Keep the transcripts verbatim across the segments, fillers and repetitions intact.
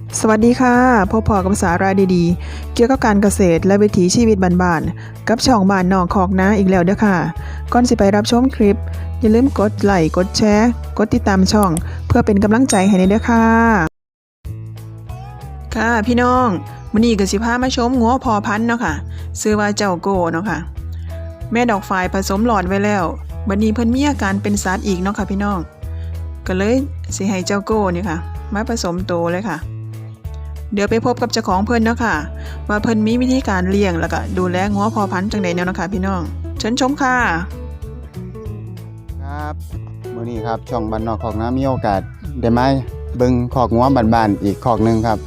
สวัสดีค่ะพบพอกับสาระดีๆเกี่ยวกับการเกษตรและวิถีชีวิตบ้านๆกับช่องบ้านนอกคอกนาอีกแล้วเด้อค่ะก่อนสิไปรับชมคลิปอย่าลืมกดไลค์กดแชร์กดติดตามช่องเพื่อเป็นกำลังใจให้ในเด้อค่ะค่ะพี่น้องมื้อนี้ก็สิพามาชมงัวพอพันธุ์เนาะค่ะชื่อว่าเจ้าโก้เนาะค่ะแม่ดอกฝายผสมหลอดไว้แล้วบัดนี้เพิ่นมีอาการเป็นสัตว์อีกเนาะค่ะพี่น้องก็เลยสิให้เจ้าโก้นี่ค่ะมาผสมโตเลยค่ะเดี๋ยวไปพบกับเจ้าของเพิ่นเนาะค่ะว่าเพิ่นมีวิธีการเลี้ยงแล้วก็ดูแลงัวพอพันธุ์จังได๋แนวเนาะค่ะพี่น้องเชิญชมค่ะครับมื้อนี้ครับช่องบ้านนอกคอกนามีโอกาสได้มาเบิ่งคอกงัวบ้านๆอีกคอกหนึงครับ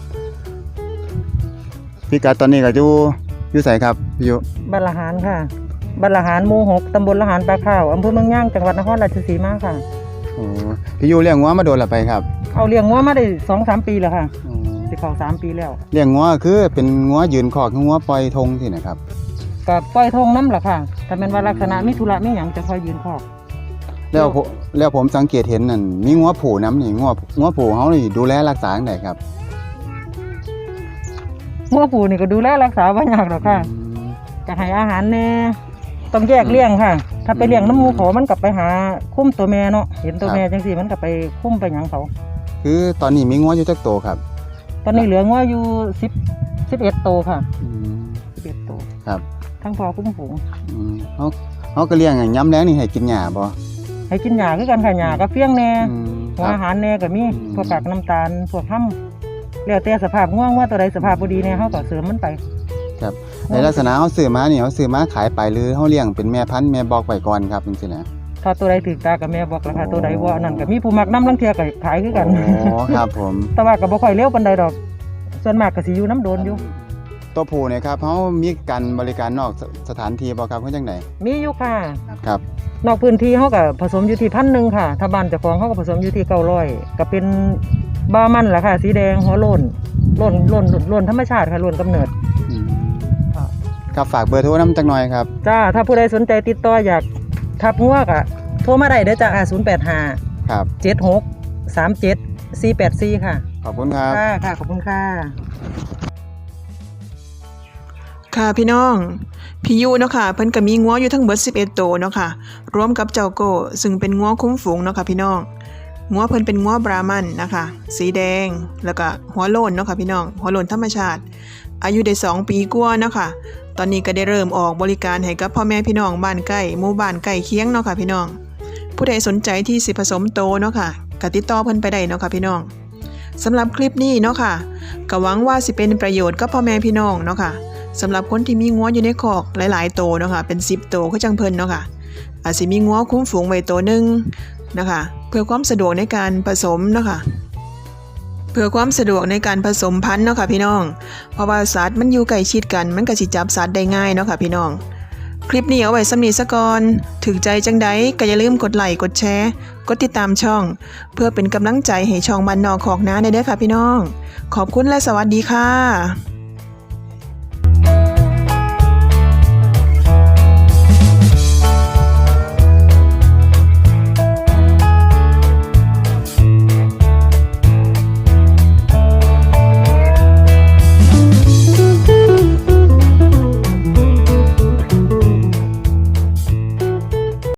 พิกัดตอนนี้ก็อยู่อยู่ไสครับพี่ยุบ้านละหารค่ะบ้านละหารหมู่หกตำบลละหารปลาข้าวอำเภอเมืองย่างจังหวัดนครราชสีมาค่ะโอ้พี่ยุเลี้ยงงัวมาโดนละไปครับเอาเลี้ยงงัวมาได้ สองถึงสาม ปีแล้วค่ะอ๋อสิเข้าสามปีแล้วเลี้ยงงัวคือเป็นงัวยืนคอกคืองัวปล่อยทงที่ไหนครับก็ปล่อยทงน้ำล่ะค่ะแต่แม่นว่าลักษณะมีธุระมีหยังจะค่อยยืนคอกแล้วผมแล้วผมสังเกตเห็นนั่นมีงัวผูน้ำนี่งัวงัวผูเฮานี่ดูแลรักษาจังไดครับงัวผูนี่ก็ดูแลรักษาบ่ยากหรอกค่ะก็ให้อาหารแน่ต้องแยกเลี้ยงค่ะถ้าไปเลี้ยงน้ำหมูเขามันกลับไปหาคุ้มตัวแม่เนาะเห็นตัวแม่จังซี่มันก็ไปคุ้มไปหยังเขาคือตอนนี้มีงัวอยู่จักโตครับตอนนี้เหลืองัวอยู่สิบ สิบเอ็ดโตค่ะอืมสิบเอ็ดโตครับทั้งพอคุ้มฝูงอืมเฮาเฮาก็เลี้ยงให้ย้ำแลงนี่ให้กินหญ้าบ่ให้กินหญ้าคือกันค่ะหญ้ากับเฟี้ยงแน่หัวอาหารแน่ก็มีพวกกากน้ำตาลพวกห้ำแล้วแต่สภาพง่วงว่าตัวใดสภาพบ่ดีแน่เฮาก็เสริมมันไปครับในลักษณะเฮาซื้อมานี่เฮาซื้อมาขายไปหรือเฮาเลี้ยงเป็นแม่พันธุ์แม่บอกไว้ก่อนครับจังซี่นะถ้าตัวใดถึกตากับแม่บอกราคาตัวใดบ่นั่นก็มีผู้มักนำลังเที่ยก็ขายคือกันอ๋อครับผมแต่ว่าก็บ่ค่อยเร็วปานใดดอกส่วนมากก็สิอยู่น้ำโดนอยู่ตัวผู้เนี่ยครับเฮามีการบริการนอกสถานที่บ่ครับคือจังได๋มีอยู่ค่ะครับนอกพื้นที่เฮาก็ผสมอยู่ที่พันหนึ่งค่ะถ้าบ้านเจ้าของเฮาก็ผสมอยู่ที่เก้าร้อยก็เป็นบามันล่ะค่ะสีแดงหัวโล้นโล้นโล้นโล้นธรรมชาติค่ะโล้นกำเนิดครับฝากเบอร์โทรนำจักหน่อยครับจ้าถ้าผู้ใดสนใจติดต่ออยากทับงัวก็โทรมาได้เด้อจ้าศูนย์แปดห้าครับเจ็ดหก สามเจ็ด สี่แปดสี่ค่ะขอบคุณครับค่ะค่ะขอบคุณค่ะค่ะพี่น้องพี่ยูเนาะค่ะเพิ่นก็มีงัวอยู่ทั้งเบิดสิบเอ็ดโตวเนาะค่ะรวมกับเจ้าโก้ซึ่งเป็นงัวคุ้มฝูงเนาะค่ะพี่น้องงัวเพิ่นเป็นงัวบรามันนะคะสีแดงแล้วก็หัวโล้นเนาะค่ะพี่น้องหัวโล้นธรรมชาติอายุได้สองปีกว่าเนาะค่ะตอนนี้ก็ได้เริ่มออกบริการให้กับพ่อแม่พี่น้องบ้านใกล้หมู่บ้านใกล้เคียงเนาะค่ะพี่น้องผู้ใดสนใจที่สิผสมโตเนาะค่ะก็ติดต่อเพิ่นไปได้เนาะค่ะพี่น้องสำหรับคลิปนี้เนาะค่ะก็หวังว่าสิเป็นประโยชน์กับพ่อแม่พี่น้องเนาะค่ะสำหรับคนที่มีงัวอยู่ในคอกหลายๆโตเนาะค่ะเป็นสิบโตคือจังเพิ่นเนาะค่ะอาจสิมีงัวคุ้มฝูงไว้โตนึงนะคะเพื่อความสะดวกในการผสมเนาะค่ะเพื่อความสะดวกในการผสมพันธุ์เนาะค่ะพี่น้องเพราะว่าสัตว์มันอยู่ใกล้ชิดกันมันก็สิจับสัตว์ได้ง่ายเนาะค่ะพี่น้องคลิปนี้เอาไว้สำนีซะก่อนถึงใจจังใดก็อย่าลืมกดไลค์กดแชร์กดติดตามช่องเพื่อเป็นกำลังใจให้ช่องบ้านนอกคอกนาได้เด้อค่ะพี่น้องขอบคุณและสวัสดีค่ะ